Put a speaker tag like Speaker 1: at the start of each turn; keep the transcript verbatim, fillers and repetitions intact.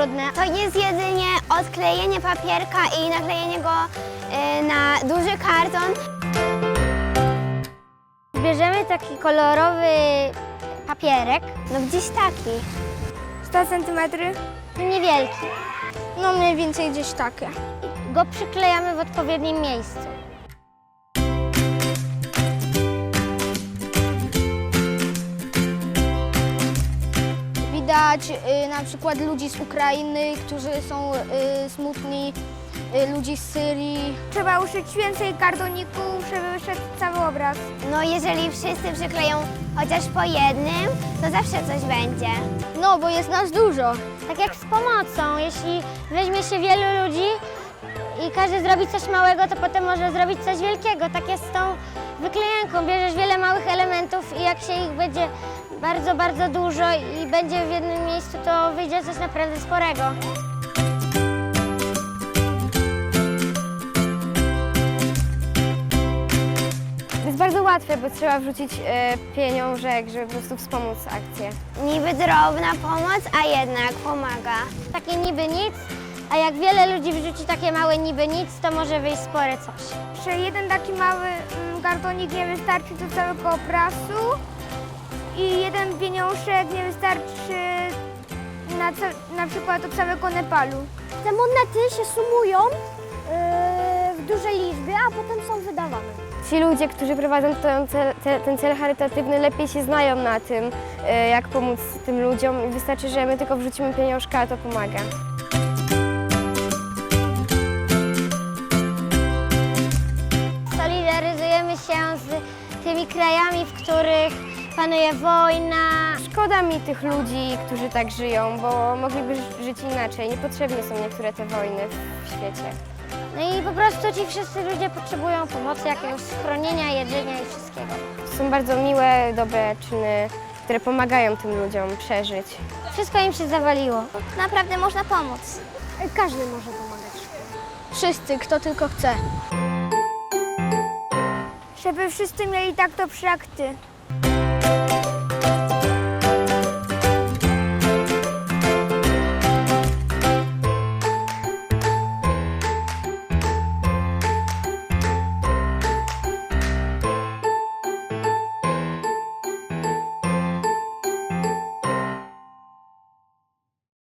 Speaker 1: trudne.
Speaker 2: To jest jedynie odklejenie papierka i naklejenie go y, na duży karton.
Speaker 1: Bierzemy taki kolorowy papierek,
Speaker 2: No gdzieś taki.
Speaker 1: sto centymetrów, niewielki. No mniej więcej gdzieś takie. Go przyklejamy w odpowiednim miejscu. Widać y, na przykład ludzi z Ukrainy, którzy są y, smutni, y, ludzi z Syrii. Trzeba uszyć więcej kartoników, żeby wyszedł cały obraz.
Speaker 2: No jeżeli wszyscy przykleją chociaż po jednym, to zawsze coś będzie.
Speaker 1: No, bo jest nas dużo. Tak jak z pomocą. Jeśli weźmie się wielu ludzi i każdy zrobi coś małego, to potem może zrobić coś wielkiego. Tak jest z tą wyklejanką. Bierzesz wiele małych elementów i jak się ich będzie bardzo, bardzo dużo i będzie w jednym miejscu, to wyjdzie coś naprawdę sporego.
Speaker 3: Jest bardzo łatwe, bo trzeba wrzucić e, pieniążek, żeby po prostu wspomóc akcję.
Speaker 2: Niby drobna pomoc, a jednak pomaga.
Speaker 1: Takie niby nic, a jak wiele ludzi wrzuci takie małe niby nic, to może wyjść spore coś.
Speaker 3: Że jeden taki mały mm, kartonik nie wystarczy do całego obrazu i jeden pieniążek nie wystarczy na, na przykład do całego Nepalu.
Speaker 1: Te monety się sumują yy, w dużej liczbie, a potem są wydawane.
Speaker 3: Ci ludzie, którzy prowadzą ten cel, te, ten cel charytatywny, lepiej się znają na tym, e, jak pomóc tym ludziom i wystarczy, że my tylko wrzucimy pieniążka, a to pomaga.
Speaker 1: Solidaryzujemy się z tymi krajami, w których panuje wojna.
Speaker 3: Szkoda mi tych ludzi, którzy tak żyją, bo mogliby żyć inaczej. Niepotrzebne są niektóre te wojny w świecie.
Speaker 1: No i po prostu ci wszyscy ludzie potrzebują pomocy, jakiegoś schronienia, jedzenia i wszystkiego.
Speaker 3: To są bardzo miłe, dobre czyny, które pomagają tym ludziom przeżyć.
Speaker 1: Wszystko im się zawaliło.
Speaker 2: Naprawdę można pomóc.
Speaker 1: Każdy może pomagać. Wszyscy, kto tylko chce.
Speaker 3: Żeby wszyscy mieli tak to przy akty.